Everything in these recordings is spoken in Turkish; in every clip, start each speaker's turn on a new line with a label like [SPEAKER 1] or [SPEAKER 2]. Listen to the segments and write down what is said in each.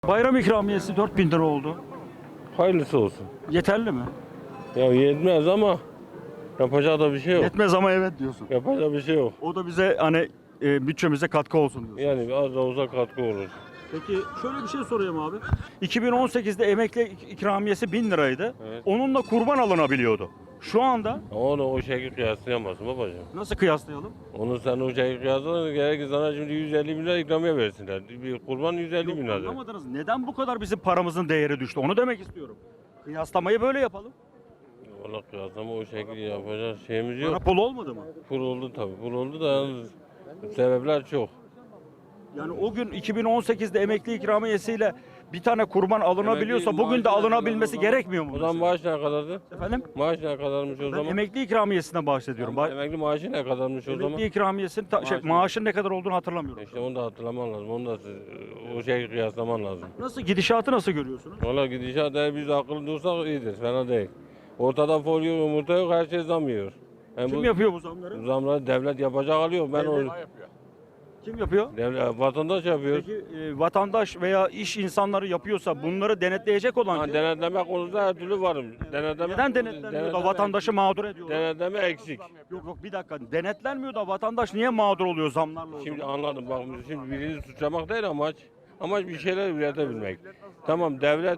[SPEAKER 1] Bayram ikramiyesi 4.000 lira oldu.
[SPEAKER 2] Hayırlısı olsun.
[SPEAKER 1] Yeterli mi?
[SPEAKER 2] Ya yetmez ama yapacak da bir şey yok.
[SPEAKER 1] Yetmez ama evet diyorsun.
[SPEAKER 2] Yapacak bir şey yok.
[SPEAKER 1] O da bize hani bütçemize katkı olsun diyorsun.
[SPEAKER 2] Yani az da olsa katkı olur.
[SPEAKER 1] Peki şöyle bir şey sorayım abi. 2018'de emekli ikramiyesi 1000 liraydı.
[SPEAKER 2] Evet.
[SPEAKER 1] Onunla kurban alınabiliyordu. Şu anda
[SPEAKER 2] Onu o şekilde kıyaslayamazsın babacığım.
[SPEAKER 1] nasıl kıyaslayalım?
[SPEAKER 2] Onu sen o şekilde kıyaslarsan gerek sana şimdi 150 bin lira ikramiye versinler. Bir kurban 150 bin
[SPEAKER 1] Yok,
[SPEAKER 2] lira.
[SPEAKER 1] anlamadınız. Neden bu kadar bizim paramızın değeri düştü? Onu demek istiyorum. Kıyaslamayı böyle yapalım.
[SPEAKER 2] Valla kıyaslama o şekilde yapacak şeyimiz
[SPEAKER 1] Para
[SPEAKER 2] yok.
[SPEAKER 1] pul olmadı mı?
[SPEAKER 2] Pul oldu tabii. Pul oldu da yalnız sebepler çok.
[SPEAKER 1] Yani o gün 2018'de emekli ikramiyesiyle bir tane kurban alınabiliyorsa
[SPEAKER 2] Emekli
[SPEAKER 1] bugün de
[SPEAKER 2] maaşı ne
[SPEAKER 1] alınabilmesi
[SPEAKER 2] kadar o zaman?
[SPEAKER 1] gerekmiyor mu?
[SPEAKER 2] O zaman
[SPEAKER 1] mesela?
[SPEAKER 2] maaş ne kadardı?
[SPEAKER 1] Efendim?
[SPEAKER 2] Maaş ne kadarmış o
[SPEAKER 1] Ben
[SPEAKER 2] zaman?
[SPEAKER 1] emekli ikramiyesinden bahsediyorum.
[SPEAKER 2] Emekli maaşı ne kadarmış o zaman?
[SPEAKER 1] Emekli ikramiyesinin
[SPEAKER 2] Maaşı-
[SPEAKER 1] maaşın ne kadar olduğunu hatırlamıyorum.
[SPEAKER 2] İşte onu da hatırlaman lazım. Onu da o şeyi kıyaslaman lazım.
[SPEAKER 1] Nasıl gidişatı nasıl görüyorsunuz?
[SPEAKER 2] Valla gidişat eğer biz akıllı dursak iyidir. Fena değil. Ortada folyo yumurta yok. Her şey zam yiyor. Yani
[SPEAKER 1] Kim yapıyor bu zamları?
[SPEAKER 2] bu zamları devlet yapacak alıyor. Ben o
[SPEAKER 1] Kim yapıyor?
[SPEAKER 2] devlet vatandaş yapıyor.
[SPEAKER 1] Peki vatandaş veya iş insanları yapıyorsa bunları denetleyecek olan
[SPEAKER 2] Ha,
[SPEAKER 1] kim?
[SPEAKER 2] denetleme konusunda her türlü varım. Denetleme,
[SPEAKER 1] Neden denetlenmiyor da vatandaşı mağdur ediyorlar?
[SPEAKER 2] Denetleme eksik.
[SPEAKER 1] Yok yok bir dakika. Denetlenmiyor da vatandaş niye mağdur oluyor zamlarla? o
[SPEAKER 2] Şimdi
[SPEAKER 1] zaman?
[SPEAKER 2] anladım. Bak şimdi birini suçlamak değil amaç. Amaç bir şeyler üretebilmek. Tamam devlet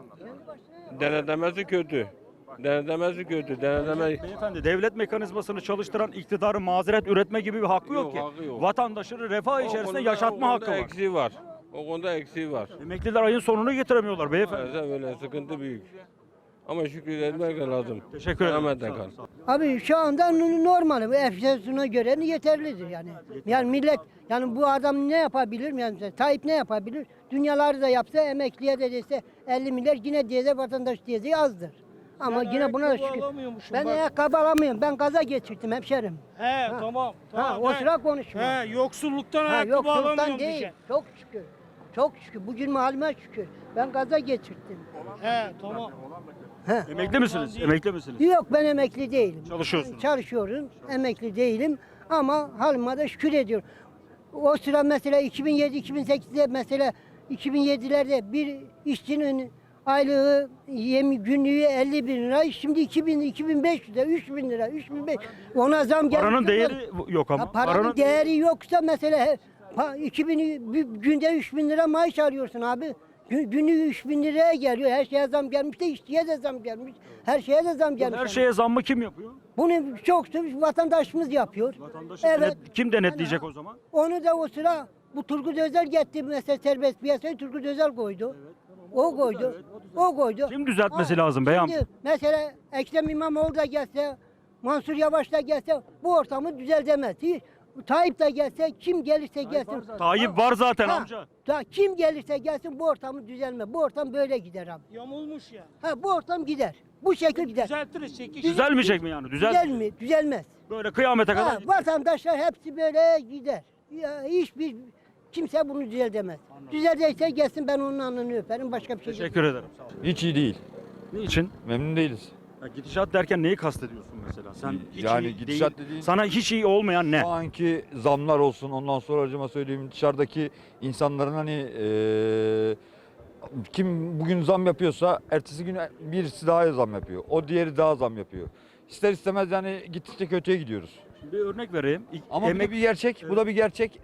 [SPEAKER 2] denetlemesi kötü. Denetlemesi kötü. Denetleme
[SPEAKER 1] Beyefendi devlet mekanizmasını çalıştıran iktidarın mazeret üretme gibi bir hakkı yok
[SPEAKER 2] Yok,
[SPEAKER 1] ki.
[SPEAKER 2] hakkı yok.
[SPEAKER 1] Vatandaşını refah içerisinde
[SPEAKER 2] konuda-
[SPEAKER 1] yaşatma
[SPEAKER 2] o
[SPEAKER 1] hakkı
[SPEAKER 2] konuda
[SPEAKER 1] var.
[SPEAKER 2] eksiği var. O konuda eksiği var.
[SPEAKER 1] Emekliler ayın sonunu getiremiyorlar beyefendi.
[SPEAKER 2] Maalesef öyle sıkıntı büyük. Ama şükretmek de lazım.
[SPEAKER 1] Teşekkür ederim.
[SPEAKER 2] Rahmetle
[SPEAKER 1] Sağ
[SPEAKER 2] kal.
[SPEAKER 1] olun, sağ olun.
[SPEAKER 3] Abi şu anda normal. Bu enflasyona göre yeterlidir yani. Yani millet yani bu adam ne yapabilir? Yani mesela Tayyip ne yapabilir? Dünyaları da yapsa emekliye de dese 50 milyar yine diyece vatandaş diyeceği azdır. Ama yine buna da şükür. Ben ayakkabı alamıyorum. Ben gaza geçirdim hemşerim.
[SPEAKER 4] He tamam.
[SPEAKER 3] Ha, o sıra konuşma.
[SPEAKER 4] He yoksulluktan
[SPEAKER 3] Ha,
[SPEAKER 4] ayakkabı
[SPEAKER 3] yoksulluktan
[SPEAKER 4] alamıyorum
[SPEAKER 3] değil.
[SPEAKER 4] diyeceksin.
[SPEAKER 3] Çok şükür. Çok şükür. Bugün halime şükür. Ben gaza geçirdim.
[SPEAKER 4] He tamam.
[SPEAKER 1] Emekli misiniz? Emekli misiniz?
[SPEAKER 3] Yok ben emekli değilim.
[SPEAKER 1] Çalışıyorsunuz.
[SPEAKER 3] Çalışıyorum. Emekli değilim ama halime de şükür ediyorum. O sıra mesela 2007-2008'de mesela 2007'lerde bir işçinin aylığı günlüğü 50 bin lira. Şimdi 2000, 2500 lira, 3000 lira, 3500. Ona zam geldi.
[SPEAKER 1] Paranın değeri yok ama.
[SPEAKER 3] Ha, paranın değeri yoksa mesela 2000 bir günde 3000 lira maaş alıyorsun abi. Günlük 3000 liraya geliyor. Her şeye zam gelmiş de işçiye de zam gelmiş. Her şeye de zam gelmiş.
[SPEAKER 1] Her şeye zammı kim yapıyor?
[SPEAKER 3] Bunu çok vatandaşımız yapıyor.
[SPEAKER 1] Vatandaşı
[SPEAKER 3] Evet.
[SPEAKER 1] kim denetleyecek o zaman?
[SPEAKER 3] Onu da o sıra bu Turgut Özel getirdi mesela serbest piyasayı Turgut Özel koydu. O koydu. O koydu.
[SPEAKER 1] Kim düzeltmesi
[SPEAKER 3] Ha,
[SPEAKER 1] lazım beyam?
[SPEAKER 3] Şimdi mesela Ekrem İmamoğlu da gelse, Mansur Yavaş da gelse bu ortamı düzeltemez. Hiç. Tayyip de gelse, kim gelirse gelsin.
[SPEAKER 1] Tayyip var zaten
[SPEAKER 3] Ha,
[SPEAKER 1] amca.
[SPEAKER 3] kim gelirse gelsin bu ortamı düzelme. Bu ortam böyle gider abi.
[SPEAKER 4] Yamulmuş ya.
[SPEAKER 3] Ha, bu ortam gider. Bu şekil gider.
[SPEAKER 4] Düzeltiriz çekiş.
[SPEAKER 1] Düzelmeyecek mi yani?
[SPEAKER 3] Düzel mi? Düzelmez.
[SPEAKER 1] Böyle kıyamete
[SPEAKER 3] Ha,
[SPEAKER 1] kadar.
[SPEAKER 3] vatandaşlar hepsi böyle gider. Ya, hiçbir kimse bunu düzeltemez. Düzelecekse gelsin ben onun alnını öperim. Başka bir şey yok.
[SPEAKER 1] Teşekkür ederim. Sağ olun.
[SPEAKER 5] Hiç iyi değil.
[SPEAKER 1] Niçin?
[SPEAKER 5] Memnun değiliz.
[SPEAKER 1] Ya gidişat derken neyi kastediyorsun mesela? Sen hiç
[SPEAKER 5] Yani
[SPEAKER 1] iyi
[SPEAKER 5] gidişat
[SPEAKER 1] değil.
[SPEAKER 5] dediğin-
[SPEAKER 1] Sana hiç iyi olmayan ne?
[SPEAKER 5] Şu anki zamlar olsun, ondan sonra acıma söyleyeyim dışarıdaki insanların hani kim bugün zam yapıyorsa ertesi gün birisi daha zam yapıyor. O diğeri daha zam yapıyor. İster istemez yani gittikçe kötüye gidiyoruz.
[SPEAKER 1] Bir örnek vereyim.
[SPEAKER 5] Ama bu da bir gerçek, bu da bir gerçek.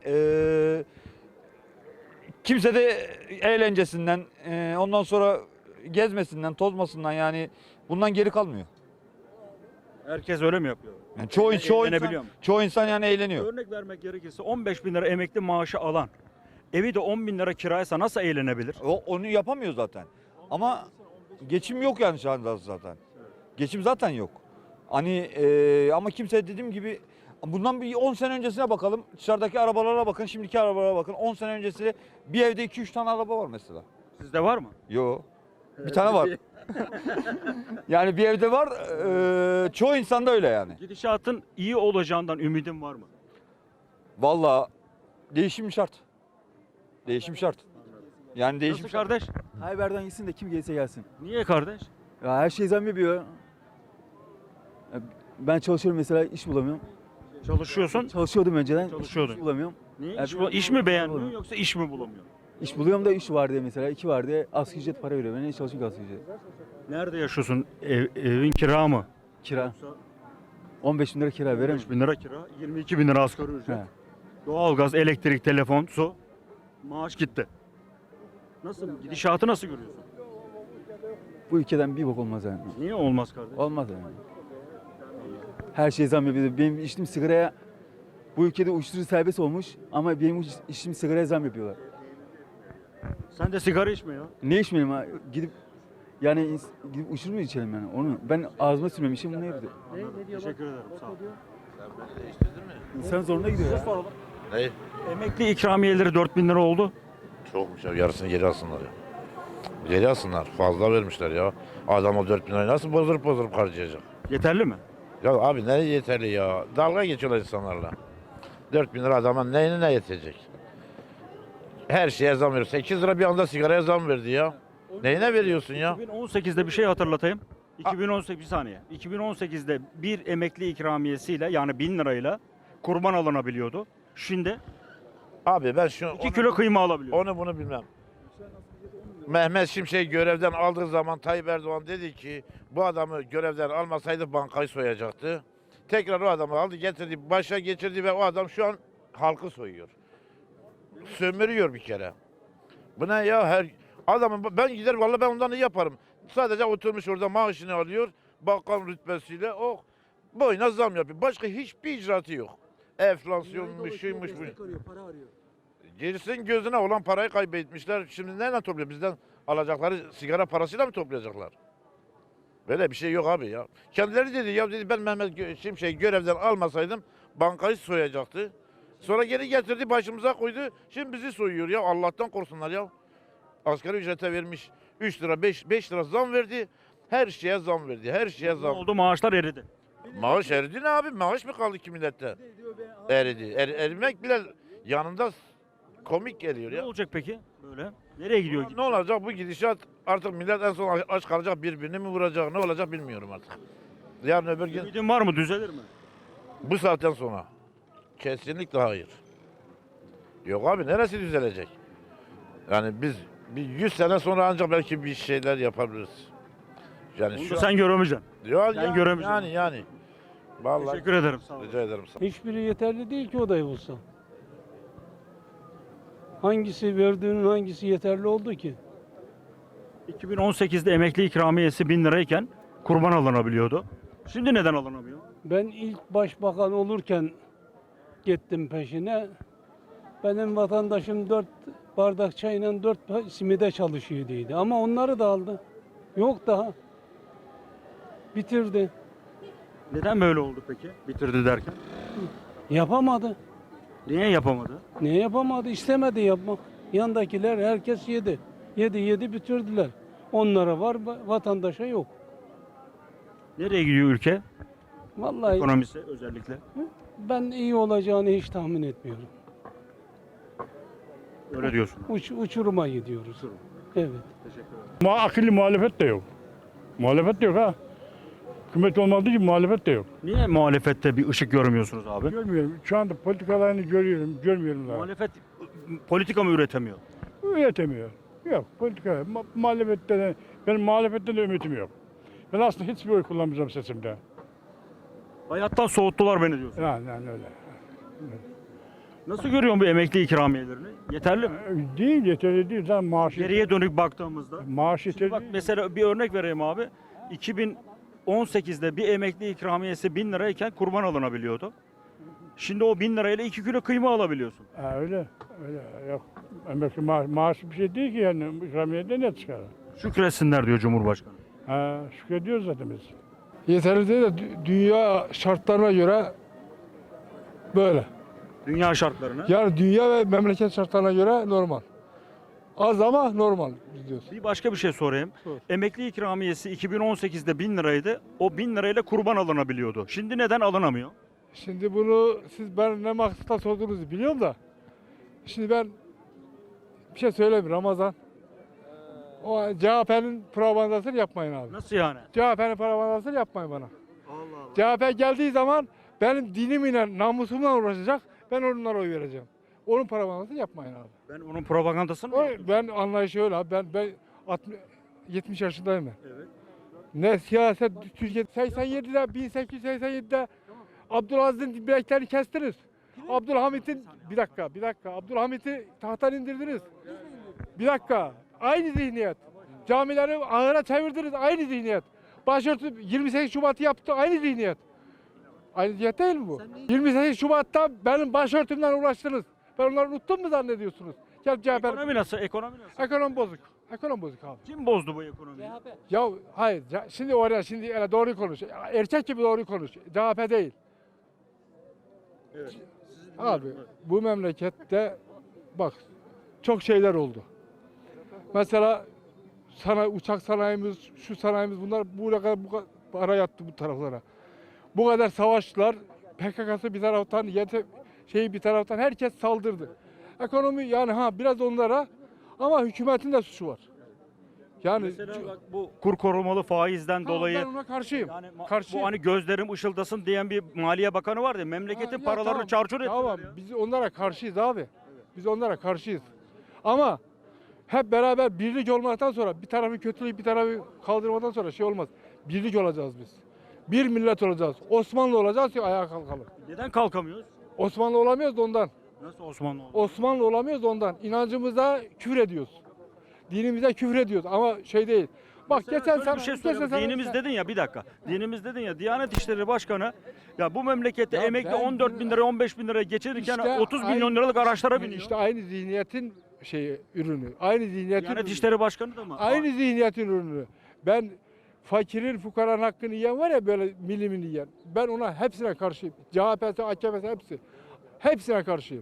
[SPEAKER 5] Kimse de eğlencesinden, ondan sonra gezmesinden, tozmasından yani bundan geri kalmıyor.
[SPEAKER 1] Herkes öyle mi yapıyor?
[SPEAKER 5] Yani
[SPEAKER 1] Eğlenebiliyor mu?
[SPEAKER 5] çoğu insan yani eğleniyor.
[SPEAKER 1] Örnek vermek gerekirse 15 bin lira emekli maaşı alan, evi de 10 bin lira kiraysa nasıl eğlenebilir?
[SPEAKER 5] Onu yapamıyor zaten. Ama geçim yok yani şu anda zaten. Geçim zaten yok. Hani ama kimse dediğim gibi bundan bir 10 sene öncesine bakalım. Dışarıdaki arabalara bakın, şimdiki arabalara bakın. 10 sene öncesi bir evde 2-3 tane araba var mesela.
[SPEAKER 1] Sizde var mı?
[SPEAKER 5] Yo. Bir tane var. Yani bir evde var. Çoğu insanda öyle yani.
[SPEAKER 1] Gidişatın iyi olacağından ümidin var mı?
[SPEAKER 5] Vallahi değişim şart. Değişim şart. Yani değişim
[SPEAKER 1] Nasıl
[SPEAKER 5] şart.
[SPEAKER 1] kardeş?
[SPEAKER 6] Hayber'den gitsin de kim gelirse gelsin.
[SPEAKER 1] Niye kardeş?
[SPEAKER 6] Ya her şey zam yapıyor. Ya ben çalışıyorum mesela iş bulamıyorum.
[SPEAKER 1] Çalışıyorsun.
[SPEAKER 6] Çalışıyordum önceden.
[SPEAKER 1] Çalışıyordun.
[SPEAKER 6] İş bulamıyorum.
[SPEAKER 1] Niye?
[SPEAKER 6] Ya
[SPEAKER 1] İş,
[SPEAKER 6] bir-
[SPEAKER 1] iş mi beğenmiyorsun yoksa iş mi bulamıyorsun?
[SPEAKER 6] İş buluyorum da 3 var diye mesela 2 var diye asgari ücret para veriyor. Ben niye çalışıyorum ki asgari ücret?
[SPEAKER 1] Nerede yaşıyorsun? Evin kira mı?
[SPEAKER 6] Kira. 15 bin lira kira veremem.
[SPEAKER 1] 5 bin lira kira, 22 bin lira asgari ücret.
[SPEAKER 6] He.
[SPEAKER 1] Doğalgaz, elektrik, telefon, su. Maaş gitti. Nasıl? Gidişatı nasıl görüyorsun?
[SPEAKER 6] Bu ülkeden bir bok olmaz yani.
[SPEAKER 1] Niye olmaz kardeş?
[SPEAKER 6] Olmaz yani. Her şey zam yapıyor. Benim içtiğim sigaraya bu ülkede uyuşturucu serbest olmuş ama benim içtiğim sigaraya zam yapıyorlar.
[SPEAKER 1] Sen de sigara içme ya.
[SPEAKER 6] Ne içmeyelim ha? Gidip yani gidip uyuşturucu mu içelim yani? Onu ben ağzıma sürmemişim bunu ne yapıyor?
[SPEAKER 1] Teşekkür ederim. Sağ ol.
[SPEAKER 6] İnsan zoruna gidiyor ya.
[SPEAKER 7] Ne?
[SPEAKER 1] Emekli ikramiyeleri 4 bin lira oldu.
[SPEAKER 7] Çokmuş ya. Yarısını geri alsınlar ya. Geri alsınlar. Fazla vermişler ya. Adam o 4 bin lirayı nasıl bozdurup harcayacak?
[SPEAKER 1] Yeterli mi?
[SPEAKER 7] Ya abi ne yeterli ya. Dalga geçiyorlar insanlarla. 4 bin lira adama neyine ne yetecek? Her şeye zam veriyor. 8 lira bir anda sigaraya zam verdi ya. Neyine veriyorsun ya?
[SPEAKER 1] 2018'de bir şey hatırlatayım. 2018 bir saniye. 2018'de bir emekli ikramiyesiyle yani 1000 lirayla kurban alınabiliyordu. Şimdi
[SPEAKER 7] Abi ben
[SPEAKER 1] 2 kilo kıyma alabiliyor.
[SPEAKER 7] onu bunu bilmem. Mehmet Şimşek görevden aldığı zaman Tayyip Erdoğan dedi ki bu adamı görevden almasaydı bankayı soyacaktı. Tekrar o adamı aldı getirdi başa geçirdi ve o adam şu an halkı soyuyor. Sömürüyor bir kere. Bu ne ya her adamın ben gider vallahi ben ondan iyi yaparım. Sadece oturmuş orada maaşını alıyor bakan rütbesiyle o boyuna zam yapıyor. Başka hiçbir icraatı yok. Enflasyonmuş, şuymuş bu. Girsin gözüne olan parayı kaybetmişler. Şimdi neyle topluyor? Bizden alacakları sigara parasıyla mı toplayacaklar? Böyle bir şey yok abi ya. Kendileri dedi ya dedi ben Mehmet Şimşek'i görevden almasaydım bankayı soyacaktı. Sonra geri getirdi başımıza koydu. Şimdi bizi soyuyor ya Allah'tan korksunlar ya. Asgari ücrete vermiş 3 lira 5 lira zam verdi. Her şeye zam verdi. Her şeye
[SPEAKER 1] Ne
[SPEAKER 7] zam.
[SPEAKER 1] oldu? Maaşlar eridi.
[SPEAKER 7] Maaş eridi ne abi? Maaş mı kaldı ki millette? Eridi. Erimek bile yanında komik geliyor
[SPEAKER 1] Ne
[SPEAKER 7] ya.
[SPEAKER 1] olacak peki böyle? Nereye gidiyor?
[SPEAKER 7] Ne olacak bu gidişat artık millet en son aç kalacak birbirini mi vuracak ne olacak bilmiyorum artık. Yarın öbür gün
[SPEAKER 1] Ümidin var mı? Düzelir mi?
[SPEAKER 7] bu saatten sonra kesinlikle hayır. Yok abi neresi düzelecek? Yani biz bir 100 sene sonra ancak belki bir şeyler yapabiliriz. Yani
[SPEAKER 1] Onu da
[SPEAKER 7] şu
[SPEAKER 1] sen göremeyeceksin.
[SPEAKER 7] ya,
[SPEAKER 1] sen göremeyeceksin.
[SPEAKER 7] yani. Vallahi
[SPEAKER 1] Teşekkür ederim. Sağ ol.
[SPEAKER 7] rica ederim.
[SPEAKER 8] Hiçbiri yeterli değil ki o da bulsa. Hangisi verdiğinin hangisi yeterli oldu ki?
[SPEAKER 1] 2018'de emekli ikramiyesi 1000 lirayken kurban alınabiliyordu. Şimdi neden alınamıyor?
[SPEAKER 8] Ben ilk başbakan olurken gittim peşine. Benim vatandaşım 4 bardak çayla 4 simide çalışıyordu. Ama onları da aldı. Yok daha. Bitirdi.
[SPEAKER 1] Neden böyle oldu peki? Bitirdi derken.
[SPEAKER 8] Yapamadı.
[SPEAKER 1] Niye yapamadı?
[SPEAKER 8] Ne yapamadı? İstemedi yapmak. Yandakiler herkes yedi. Yedi bitirdiler. Onlara var, vatandaşa yok.
[SPEAKER 1] Nereye gidiyor ülke?
[SPEAKER 8] Vallahi
[SPEAKER 1] Ekonomisi özellikle.
[SPEAKER 8] ben iyi olacağını hiç tahmin etmiyorum.
[SPEAKER 1] Öyle diyorsun.
[SPEAKER 8] Uçuruma gidiyoruz. Evet.
[SPEAKER 9] Akıllı muhalefet de yok. Muhalefet de yok ha. Hükümet olmadığı için muhalefet de yok.
[SPEAKER 1] Niye muhalefette bir ışık görmüyorsunuz abi?
[SPEAKER 9] Görmüyorum. Şu anda politikalarını görmüyorum daha.
[SPEAKER 1] Muhalefet politika mı üretemiyor?
[SPEAKER 9] Üretemiyor. Yok politika. Muhalefette de, benim muhalefetten de ümitim yok. Ben aslında hiçbir oy kullanmayacağım sesimde.
[SPEAKER 1] Hayattan soğuttular beni diyorsun.
[SPEAKER 9] Yani öyle.
[SPEAKER 1] Nasıl görüyorsun bu emekli ikramiyelerini? Yeterli mi?
[SPEAKER 9] Değil yeterli değil. Zaten
[SPEAKER 1] Geriye dönük baktığımızda.
[SPEAKER 9] maaş
[SPEAKER 1] Şimdi
[SPEAKER 9] yeterli
[SPEAKER 1] bak
[SPEAKER 9] değil.
[SPEAKER 1] mesela bir örnek vereyim abi. 2018'de bir emekli ikramiyesi 1000 lirayken kurban alınabiliyordu. Şimdi o 1000 lirayla 2 kilo kıyma alabiliyorsun.
[SPEAKER 9] Ha, öyle. Yok. Emekli maaş bir şey değil ki yani. İkramiyede ne çıkar?
[SPEAKER 1] Şükretsinler diyor Cumhurbaşkanı.
[SPEAKER 9] Ha, şükrediyoruz zaten biz.
[SPEAKER 10] Yeterli değil de dünya şartlarına göre böyle.
[SPEAKER 1] Dünya şartlarına.
[SPEAKER 10] Yani dünya ve memleket şartlarına göre normal. Az ama normal diyoruz.
[SPEAKER 1] Bir başka bir şey sorayım.
[SPEAKER 10] Sor.
[SPEAKER 1] Emekli ikramiyesi 2018'de 1000 liraydı. O 1000 lirayla kurban alınabiliyordu. Şimdi neden alınamıyor?
[SPEAKER 10] Şimdi bunu siz ben ne maksatla sorduğunuzu biliyorum da. Şimdi ben bir şey söyleyeyim Ramazan. O CHP'nin propagandasını yapmayın abi.
[SPEAKER 1] Nasıl yani?
[SPEAKER 10] CHP'nin propagandasını yapmayın bana. CHP geldiği zaman benim dinimle, namusumla uğraşacak. Ben onlara oy vereceğim. Onun propagandasını yapmayın abi.
[SPEAKER 1] Ben onun propagandasını mı yaptım?
[SPEAKER 10] Ben anlayışı öyle abi. Ben 70 yaşındayım ben.
[SPEAKER 1] Evet.
[SPEAKER 10] Ne siyaset Türkiye 87'de 1887'de Abdülaziz'in bileklerini kestiniz. Abdülhamit'in bir dakika Abdülhamit'i tahttan indirdiniz. Bir dakika. Aynı zihniyet. Camileri ahıra çevirdiniz. Aynı zihniyet. Başörtü 28 Şubat'ı yaptı. Aynı zihniyet. Aynı zihniyet değil mi bu? 28 Şubat'ta benim başörtümden uğraştınız. Ben onları unuttum mu zannediyorsunuz? Gel CHP.
[SPEAKER 1] Ekonomi nasıl? Ekonomi nasıl?
[SPEAKER 10] Ekonomi bozuk. Ekonomi bozuk abi.
[SPEAKER 1] Kim bozdu bu ekonomiyi?
[SPEAKER 10] Ya hayır. Şimdi oraya öyle doğruyu konuş. Erkek gibi doğruyu konuş. CHP değil.
[SPEAKER 1] Evet.
[SPEAKER 10] Abi bu memlekette bak çok şeyler oldu. Mesela uçak sanayimiz, şu sanayimiz bunlar bu kadar para yattı bu taraflara. Bu kadar savaşlar, PKK'sı bir taraftan, bir taraftan herkes saldırdı. Ekonomi yani biraz onlara ama hükümetin de suçu var. Yani
[SPEAKER 1] Mesela bak bu kur korumalı faizden dolayı
[SPEAKER 10] ben ona karşıyım.
[SPEAKER 1] yani
[SPEAKER 10] Karşıyım.
[SPEAKER 1] bu hani gözlerim ışıldasın diyen bir Maliye Bakanı vardı. Memleketin
[SPEAKER 10] Ya
[SPEAKER 1] paralarını
[SPEAKER 10] tamam,
[SPEAKER 1] çarçur ettiler
[SPEAKER 10] Tamam,
[SPEAKER 1] ya.
[SPEAKER 10] biz onlara karşıyız abi. Biz onlara karşıyız. Ama hep beraber birlik olmaktan sonra bir tarafı kötüleyip bir tarafı kaldırmadan sonra şey olmaz. Birlik olacağız biz. Bir millet olacağız. Osmanlı olacağız ki ayağa kalkalım.
[SPEAKER 1] Neden kalkamıyoruz?
[SPEAKER 10] Osmanlı olamıyoruz da ondan.
[SPEAKER 1] Nasıl Osmanlı oldu?
[SPEAKER 10] Osmanlı olamıyoruz da ondan. İnancımıza küfür ediyoruz. Dinimize küfür ediyoruz ama şey değil. Bak
[SPEAKER 1] Mesela
[SPEAKER 10] geçen
[SPEAKER 1] şöyle
[SPEAKER 10] sene
[SPEAKER 1] bir şey söyleyeyim. Dinimiz dedin ya bir dakika. Dinimiz dedin ya Diyanet İşleri Başkanı ya bu memlekette
[SPEAKER 10] Ya
[SPEAKER 1] emekli
[SPEAKER 10] ben
[SPEAKER 1] 14 bin lira 15 bin liraya geçirirken
[SPEAKER 10] İşte
[SPEAKER 1] 30 milyon liralık araçlara biniyor.
[SPEAKER 10] İşte aynı zihniyetin ürünü. Aynı zihniyetin
[SPEAKER 1] Diyanet
[SPEAKER 10] ürünü.
[SPEAKER 1] İşleri Başkanı da mı?
[SPEAKER 10] Aynı zihniyetin ürünü. Ben fakirin, fukaranın hakkını yiyen var ya böyle milimini yiyen. Ben ona hepsine karşıyım. CHP'si, AKP'si hepsi. Hepsine karşıyım.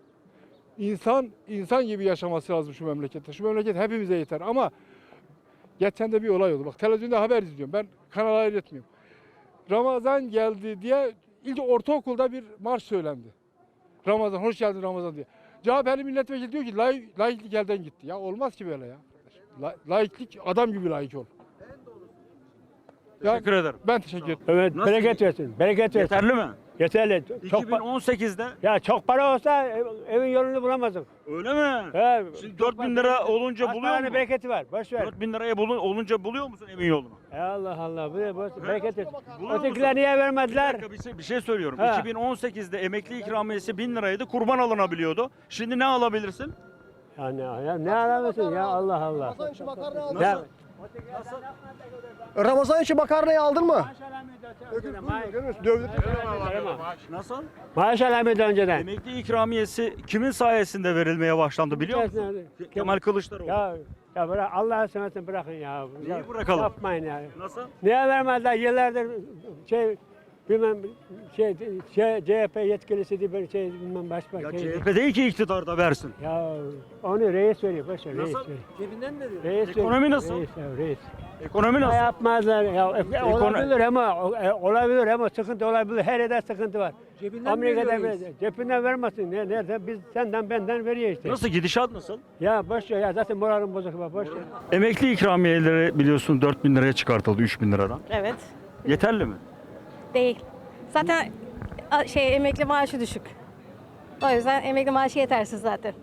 [SPEAKER 10] İnsan gibi yaşaması lazım şu memlekette. Şu memleket hepimize yeter ama geçen de bir olay oldu. Bak televizyonda haber izliyorum. Ben kanal ayırt Ramazan geldi diye ilk ortaokulda bir marş söylendi. Ramazan, hoş geldin Ramazan diye. CHP'li milletvekili diyor ki laiklik elden gitti. Ya olmaz ki böyle ya. Laiklik adam gibi laik ol.
[SPEAKER 1] Teşekkür ederim.
[SPEAKER 10] Ben teşekkür ederim.
[SPEAKER 11] Evet,
[SPEAKER 1] Nasıl?
[SPEAKER 11] bereket versin. Bereket versin.
[SPEAKER 1] Yeterli mi?
[SPEAKER 11] Yeterli. Çok
[SPEAKER 1] 2018'de
[SPEAKER 11] ya çok para olsa evin yolunu bulamazdık.
[SPEAKER 1] öyle mi?
[SPEAKER 11] He,
[SPEAKER 1] Şimdi 4 bin lira olunca buluyor
[SPEAKER 11] paranın
[SPEAKER 1] musun?
[SPEAKER 11] bereketi var. Boş ver.
[SPEAKER 1] 4 bin liraya olunca buluyor musun emin yolunu?
[SPEAKER 11] Allah Allah. Bu bereket versin.
[SPEAKER 1] Buluyor
[SPEAKER 11] Ötekiler
[SPEAKER 1] musun?
[SPEAKER 11] niye
[SPEAKER 1] Bir
[SPEAKER 11] vermediler?
[SPEAKER 1] dakika bir şey söylüyorum.
[SPEAKER 11] Ha.
[SPEAKER 1] 2018'de emekli ikramiyesi 1000 liraydı. Kurban alınabiliyordu. Şimdi ne alabilirsin?
[SPEAKER 11] Ya ne aramıyorsun ya Allah Allah. Ya,
[SPEAKER 4] Ramazan için makarnayı aldın mı?
[SPEAKER 1] Nasıl?
[SPEAKER 11] maaş alamıyordu önceden.
[SPEAKER 1] Emekli ikramiyesi kimin sayesinde verilmeye başlandı biliyor musun? Kemal Kılıçdaroğlu.
[SPEAKER 11] Ya bırak Allah'ı seversen bırakın ya.
[SPEAKER 1] Neyi bırakalım?
[SPEAKER 11] Yapmayın ya.
[SPEAKER 1] Nasıl?
[SPEAKER 11] Niye vermediler yıllardır bilmem CHP yetkilisi diye böyle bilmem başka
[SPEAKER 1] Ya CHP değil ki iktidarda versin.
[SPEAKER 11] Ya onu reis veriyor, boş ver, reis
[SPEAKER 1] Nasıl?
[SPEAKER 11] veriyor.
[SPEAKER 4] Cebinden veriyor.
[SPEAKER 11] Reis
[SPEAKER 1] Ekonomi
[SPEAKER 11] veriyor.
[SPEAKER 1] nasıl?
[SPEAKER 11] Reis.
[SPEAKER 1] Ekonomi
[SPEAKER 11] Ne
[SPEAKER 1] nasıl?
[SPEAKER 11] yapmazlar ya. Olabilir ama sıkıntı olabilir. Her yerde sıkıntı var.
[SPEAKER 4] Cebinden
[SPEAKER 11] Amerika'da
[SPEAKER 4] veriyor
[SPEAKER 11] böyle, cebinden vermesin. Nerede? Biz senden benden veriyor işte.
[SPEAKER 1] Nasıl gidişat nasıl?
[SPEAKER 11] Ya boş ver ya zaten moralim bozuk bak boş ver.
[SPEAKER 1] Emekli ikramiyeleri biliyorsun 4 bin liraya çıkartıldı 3 bin liradan.
[SPEAKER 12] Evet.
[SPEAKER 1] Yeterli mi?
[SPEAKER 12] Değil. Zaten emekli maaşı düşük. O yüzden emekli maaşı yetersiz zaten.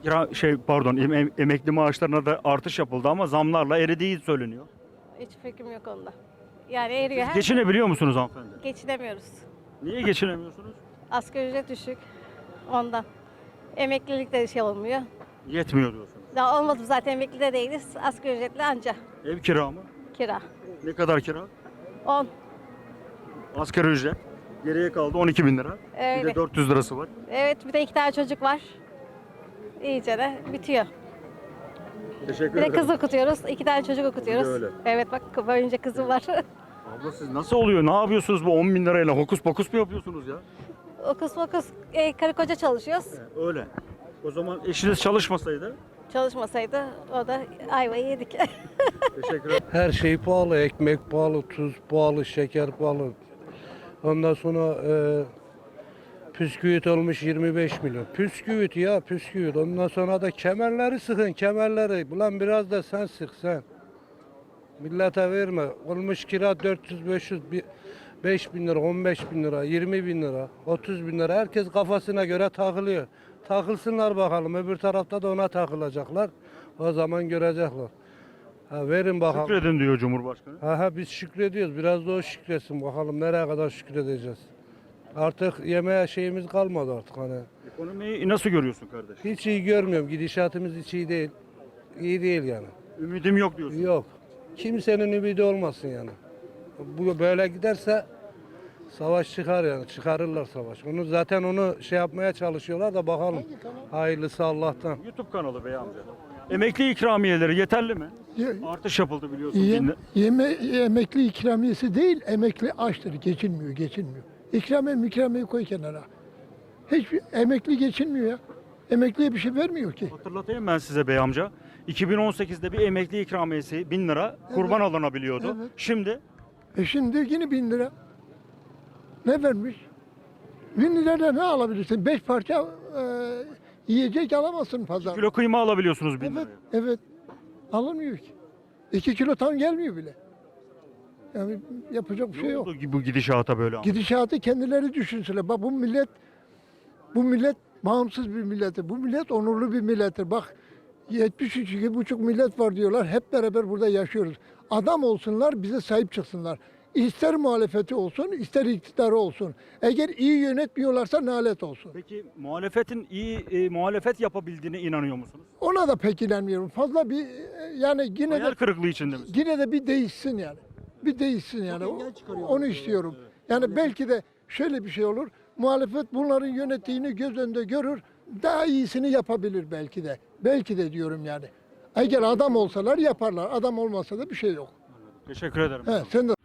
[SPEAKER 1] Emekli maaşlarına da artış yapıldı ama zamlarla eridiği söyleniyor.
[SPEAKER 12] Hiç fikrim yok onda. Yani eriyor.
[SPEAKER 1] Siz geçinebiliyor musunuz hanımefendi?
[SPEAKER 12] Geçinemiyoruz.
[SPEAKER 1] Niye geçinemiyorsunuz?
[SPEAKER 12] Asgari ücret düşük. Ondan. Emeklilik de şey olmuyor.
[SPEAKER 1] Yetmiyor diyorsunuz.
[SPEAKER 12] Daha olmadı zaten emekli de değiliz. Asgari ücretle anca
[SPEAKER 1] Ev kira mı?
[SPEAKER 12] kira.
[SPEAKER 1] Ne kadar kira?
[SPEAKER 12] 10.
[SPEAKER 1] Asgari ücret. Geriye kaldı 12 bin lira. Bir
[SPEAKER 12] Öyle.
[SPEAKER 1] de 400 lirası var.
[SPEAKER 12] Evet bir de 2 tane çocuk var. İyice de bitiyor.
[SPEAKER 1] Teşekkür
[SPEAKER 12] Bir de kız okutuyoruz. 2 tane çocuk okutuyoruz.
[SPEAKER 1] Bir de öyle.
[SPEAKER 12] Evet bak böylece kızım var.
[SPEAKER 1] Abla siz nasıl oluyor? Ne yapıyorsunuz bu 10 bin lirayla? Hokus pokus mu yapıyorsunuz ya?
[SPEAKER 12] Okus mokus karı koca çalışıyoruz.
[SPEAKER 1] Öyle. O zaman eşiniz çalışmasaydı?
[SPEAKER 12] Çalışmasaydı o da ayvayı yedik.
[SPEAKER 1] Teşekkür ederim.
[SPEAKER 13] Her şey pahalı, ekmek pahalı, tuz pahalı, şeker pahalı. Ondan sonra püsküvit olmuş 25 milyon. Püsküvit ya püsküvit. Ondan sonra da kemerleri sıkın kemerleri. Ulan biraz da sen sık sen. Millete verme. Olmuş kira 400-500, 5 bin lira, 15 bin lira, 20 bin lira, 30 bin lira. Herkes kafasına göre takılıyor. Takılsınlar bakalım. Öbür tarafta da ona takılacaklar. O zaman görecekler. Ha, verin bakalım.
[SPEAKER 1] Şükredin diyor Cumhurbaşkanı.
[SPEAKER 13] Ha, biz şükrediyoruz. Biraz da o şükretsin bakalım nereye kadar şükredeceğiz. Artık yemeğe şeyimiz kalmadı artık hani.
[SPEAKER 1] Ekonomiyi nasıl görüyorsun kardeş?
[SPEAKER 13] Hiç iyi görmüyorum. Gidişatımız hiç iyi değil. İyi değil yani.
[SPEAKER 1] Ümidim yok diyorsun.
[SPEAKER 13] Yok. Kimsenin ümidi olmasın yani. Bu böyle giderse savaş çıkar yani. Çıkarırlar savaş. Zaten onu şey yapmaya çalışıyorlar da bakalım. Hayırlısı Allah'tan.
[SPEAKER 1] YouTube kanalı bey amca. Emekli ikramiyeleri yeterli mi? Artış yapıldı biliyorsun.
[SPEAKER 9] Emekli ikramiyesi değil, emekli açtır, geçinmiyor. İkramiye koy kenara. Hiçbir emekli geçinmiyor ya. Emekliye bir şey vermiyor ki.
[SPEAKER 1] Hatırlatayım ben size bey amca. 2018'de bir emekli ikramiyesi 1000 lira kurban alınabiliyordu.
[SPEAKER 9] Evet.
[SPEAKER 1] Şimdi
[SPEAKER 9] Şimdi yine 1000 lira. Ne vermiş? 1000 lirayla ne alabilirsin? 5 parça yiyecek alamazsın pazarda.
[SPEAKER 1] kilo kıyma alabiliyorsunuz 1000
[SPEAKER 9] Evet,
[SPEAKER 1] liraya.
[SPEAKER 9] evet. Alınmıyor ki. 2 kilo tam gelmiyor bile. Yani yapacak bir şey
[SPEAKER 1] Ne
[SPEAKER 9] yok.
[SPEAKER 1] oldu bu gidişata böyle?
[SPEAKER 9] Gidişatı kendileri düşünsünler. Bak bu millet bağımsız bir millettir. Bu millet onurlu bir millettir. Bak 73,5 millet var diyorlar. Hep beraber burada yaşıyoruz. Adam olsunlar, bize sahip çıksınlar. İster muhalefeti olsun, ister iktidarı olsun. Eğer iyi yönetmiyorlarsa nalet olsun.
[SPEAKER 1] Peki muhalefetin iyi muhalefet yapabildiğine inanıyor musunuz?
[SPEAKER 9] Ona da pek inanmıyorum. Fazla bir yani yine de
[SPEAKER 1] Hayal kırıklığı içinde misiniz?
[SPEAKER 9] yine de bir değişsin yani. Bir değişsin yani. Onu istiyorum. Yani belki de şöyle bir şey olur. Muhalefet bunların yönettiğini göz önünde görür. Daha iyisini yapabilir belki de. Belki de diyorum yani. Eğer adam olsalar yaparlar. Adam olmasa da bir şey yok.
[SPEAKER 1] Teşekkür ederim.
[SPEAKER 9] He, sen de